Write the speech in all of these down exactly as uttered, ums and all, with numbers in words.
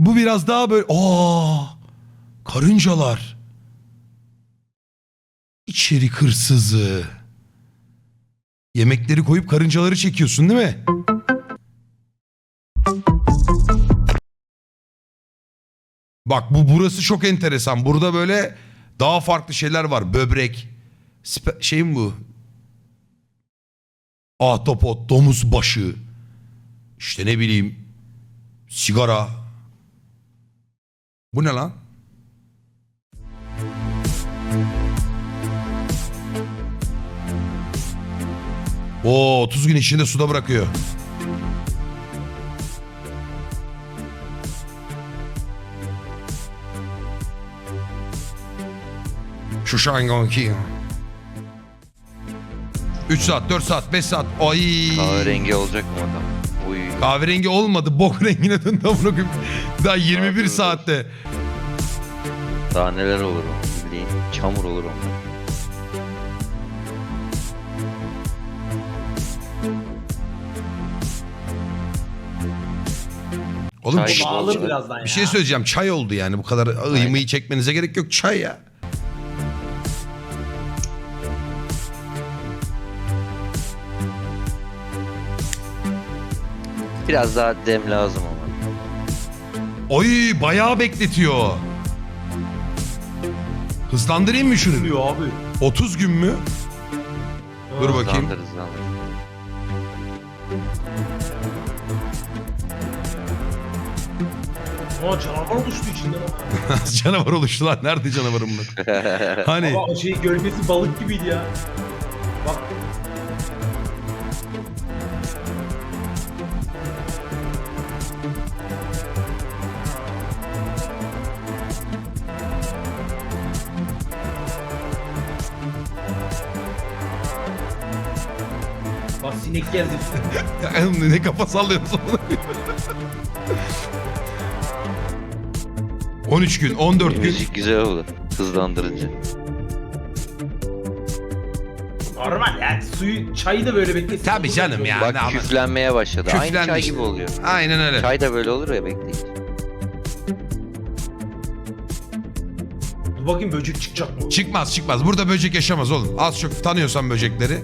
Bu biraz daha böyle... Aa, karıncalar. İçerik hırsızı. Yemekleri koyup karıncaları çekiyorsun değil mi? Bak bu burası çok enteresan. Burada böyle daha farklı şeyler var. Böbrek. Spe şey mi bu? Ahtapot, domuz başı. İşte ne bileyim. Sigara. Bu ne lan? Oo, otuz gün içinde suda bırakıyor. Şu şangonki. üç saat, dört saat, beş saat. Ay. Kahverengi olacak mı adam? Uy. Kahverengi olmadı. Bok rengine döndü. Daha yirmi bir saatte. Daha neler olur o? Bildiğin çamur olur onlar. Oğlum Çay bir, gibi Bağlı olacak. birazdan ya. bir şey söyleyeceğim. Çay oldu yani. Bu kadar ıymayı çekmenize gerek yok. Çay ya. Biraz daha dem lazım ama. Oy bayağı bekletiyor. Hızlandırayım mı şunu? Diyor abi. otuz gün mü? Dur bakayım. Hızlandır hızlandır. Aa canavar oluştu içinden ama. Canavar oluştu lan. Nerede canavarım bu? Hani Ama o şey gölgesi balık gibiydi ya. Bak. Bak sinek geldi. ne kafa sallıyorsun? on üç gün, on dört gün. Müzik güzel olur. Hızlandırınca. Normal yani suyu çayı da böyle beklesin. Tabii Olur canım mu? ya. Bak ne ama- küflenmeye başladı. Aynı çay Küflenmiş. gibi oluyor. Aynen öyle. Çay da böyle olur ya bekleyin. Dur bakayım böcek çıkacak mı? Çıkmaz çıkmaz. Burada böcek yaşamaz oğlum. Az çok tanıyorsan böcekleri.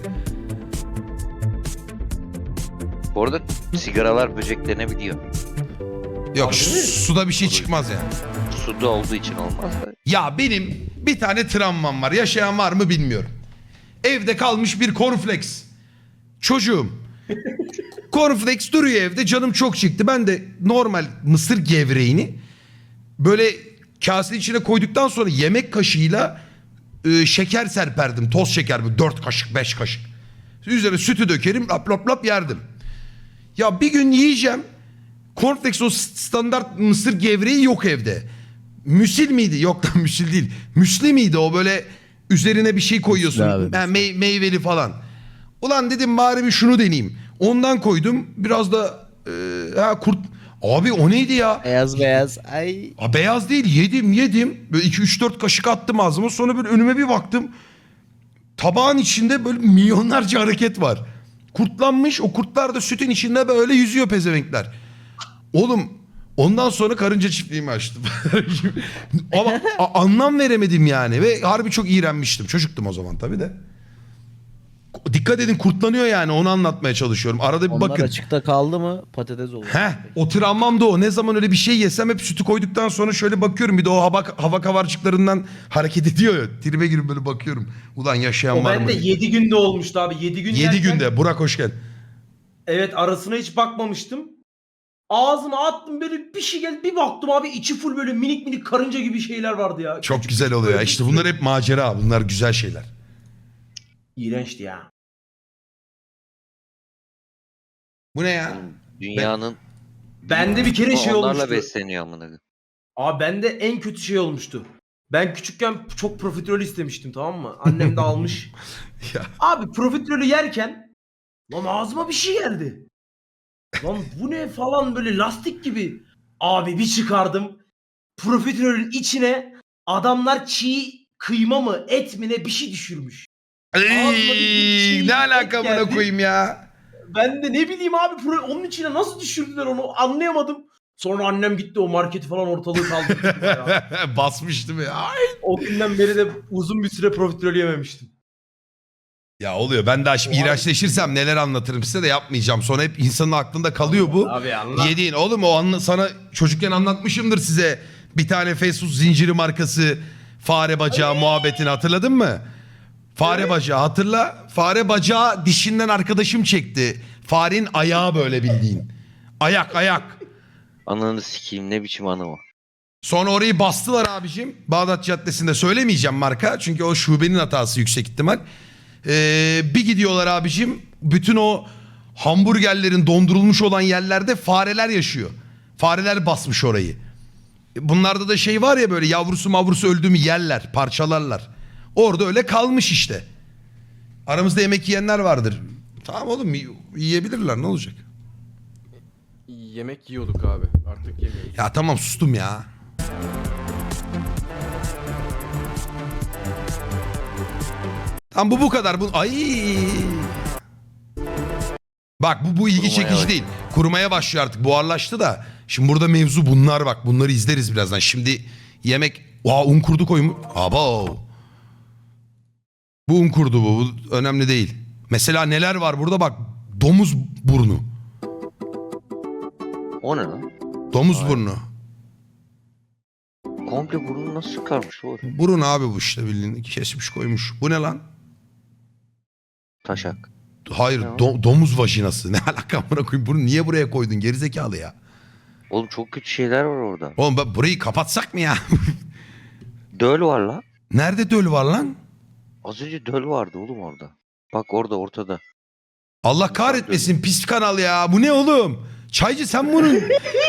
Bu arada sigaralar böceklenebiliyor. Yok Harbi su- mi? suda bir şey çıkmaz yani. Suda olduğu için olmaz da. Ya benim bir tane travmam var. Yaşayan var mı bilmiyorum. Evde kalmış bir cornflakes. Çocuğum. Cornflakes duruyor evde. Canım çok çıktı. Ben de normal mısır gevreğini böyle kasenin içine koyduktan sonra yemek kaşığıyla e, şeker serperdim. Toz şeker bu. Dört kaşık, beş kaşık. Üzerine sütü dökerim. Lap lap lap yerdim. Ya bir gün yiyeceğim. Cornflakes o standart mısır gevreği yok evde. Müsil miydi? Yok lan müsil değil. Müsli miydi o böyle üzerine bir şey koyuyorsun. Müsli abi, Ha, mey- meyveli falan. Ulan dedim bari bir şunu deneyeyim. Ondan koydum. Biraz da e, ha, kurt... Abi o neydi ya? Beyaz beyaz. Ay. A, beyaz değil yedim yedim. Böyle iki üç dört kaşık attım ağzıma. Sonra böyle önüme bir baktım. Tabağın içinde böyle milyonlarca hareket var. Kurtlanmış, o kurtlar da sütün içinde böyle yüzüyor pezevenkler. Oğlum ondan sonra karınca çiftliğimi açtım. Ama a- anlam veremedim yani ve harbi çok iğrenmiştim. Çocuktum o zaman tabii de. Dikkat edin kurtlanıyor yani onu anlatmaya çalışıyorum. Arada bir Onlar bakın. açıkta kaldı mı patates olur. Heh, o travmam da o. Ne zaman öyle bir şey yesem hep sütü koyduktan sonra şöyle bakıyorum. Bir de o hava, hava kavarcıklarından hareket ediyor ya. Tribe girip böyle bakıyorum. Ulan yaşayan O var mı? bende yedi günde olmuştu abi. yedi gün yedi yerken- günde. Burak hoş geldin. Evet arasına hiç bakmamıştım. Ağzıma attım böyle bir şey geldi. Bir baktım abi içi full böyle minik minik karınca gibi şeyler vardı ya. Çok Küçük güzel küçük oluyor ya. böyle İşte bir bunlar sürü. hep macera. Bunlar güzel şeyler. İğrençti ya. Bu ne ya? Dünyanın Bende bir kere şey onlarla olmuştu. besleniyor amına koyayım. Abi bende en kötü şey olmuştu. Ben küçükken çok profiterol istemiştim tamam mı? Annem de almış. Ya. Abi profiterolü yerken lan ağzıma bir şey geldi. Lan bu ne falan böyle lastik gibi. Abi bir çıkardım. Profiterolün içine adamlar çiğ kıyma mı et mi ne bir şey düşürmüş. Ağzıma bir Ey, şey ne alaka buna geldi. koyayım ya? Ben de ne bileyim abi pro- onun içine nasıl düşürdüler onu anlayamadım. Sonra annem gitti o marketi falan ortalığı kaldırdı. Ya. Basmıştı mı? Ay. O günden beri de uzun bir süre profiterol yememiştim. Ya oluyor. Ben daha şimdi O iğrençleşirsem neler anlatırım size de yapmayacağım. Sonra hep insanın aklında kalıyor bu. Abi anlat. Yediğin oğlum o anla, sana çocukken anlatmışımdır size. Bir tane fast food zinciri markası fare bacağı muhabbetini hatırladın mı? Fare Evet. bacağı hatırla. Fare bacağı dişinden arkadaşım çekti. Farenin ayağı böyle bildiğin. Ayak ayak. Ananı sikeyim, ne biçim anı o. Sonra orayı bastılar abicim. Bağdat Caddesi'nde söylemeyeceğim marka. Çünkü o şubenin hatası yüksek ihtimal. Ee, bir gidiyorlar abicim. Bütün o hamburgerlerin dondurulmuş olan yerlerde fareler yaşıyor. Fareler basmış orayı. Bunlarda da şey var ya böyle yavrusu mavrusu öldü mü yerler, parçalarlar. Orada öyle kalmış işte. Aramızda yemek yiyenler vardır. Tamam oğlum yiyebilirler ne olacak? Yemek yiyorduk abi. Artık yemiyoruz. Ya tamam sustum ya. Tamam bu bu kadar. Bu ay. Bak bu bu ilgi Kurumaya çekici bak. değil. Kurumaya başlıyor artık. Buharlaştı da. Şimdi burada mevzu bunlar bak. Bunları izleriz birazdan. Şimdi yemek Aa, un kurdu koymuş. Abo. Bu un kurdu bu. Bu önemli değil. Mesela neler var burada bak. Domuz burnu. O ne lan? Domuz burnu. Komple burnunu nasıl çıkarmış oğlum? Burun abi bu işte bildiğin kesmiş koymuş. Bu ne lan? Taşak. Hayır Ne o? do- domuz vajinası. Ne alaka amına koyayım? Bunu niye buraya koydun gerizekalı ya? Oğlum çok kötü şeyler var orada. Oğlum ben burayı kapatsak mı ya? Döl var la. Nerede döl var lan? Az önce döl vardı oğlum orada. Bak orada ortada. Allah kahretmesin pis kanal ya. Bu ne oğlum? Çaycı sen bunun...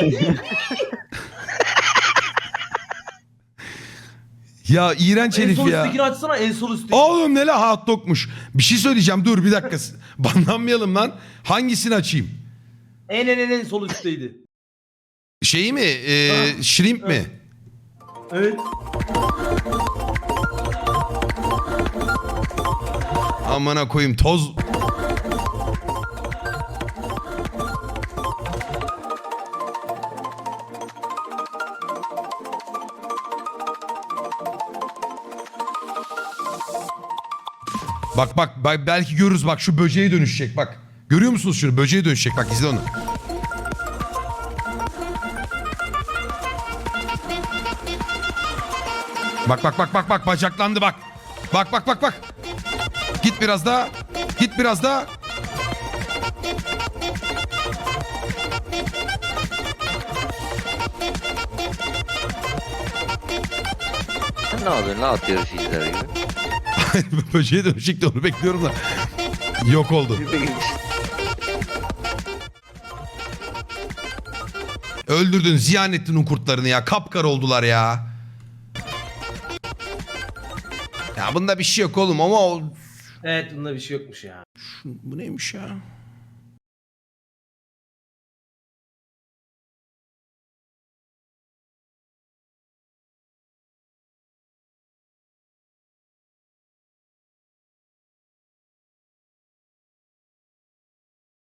ya iğrenç En herif sol ya. üsttekini açsana en sol üstteki. Oğlum ne la hot dogmuş. Bir şey söyleyeceğim dur bir dakika. Banlanmayalım lan. Hangisini açayım? En en en en sol üstteydi. Şeyi mi? Ee, Ha. shrimp mi? Evet. Amına koyayım toz... Bak bak bak belki görürüz bak şu böceğe dönüşecek bak. Görüyor musunuz şunu böceğe dönüşecek bak izle onu. Bak bak bak bak bak bacaklandı bak. Bak bak bak bak. Git biraz daha. Git biraz daha. Sen ne yapıyorsun la at yarışı izler gibi? Böceğe dönüşecek de onu bekliyorum da. Yok oldu. Öldürdün, ziyan ettin o kurtlarını ya. Kapkar oldular ya. Ya bunda bir şey yok oğlum ama o... Evet bunda bir şey yokmuş ya. Bu neymiş ya?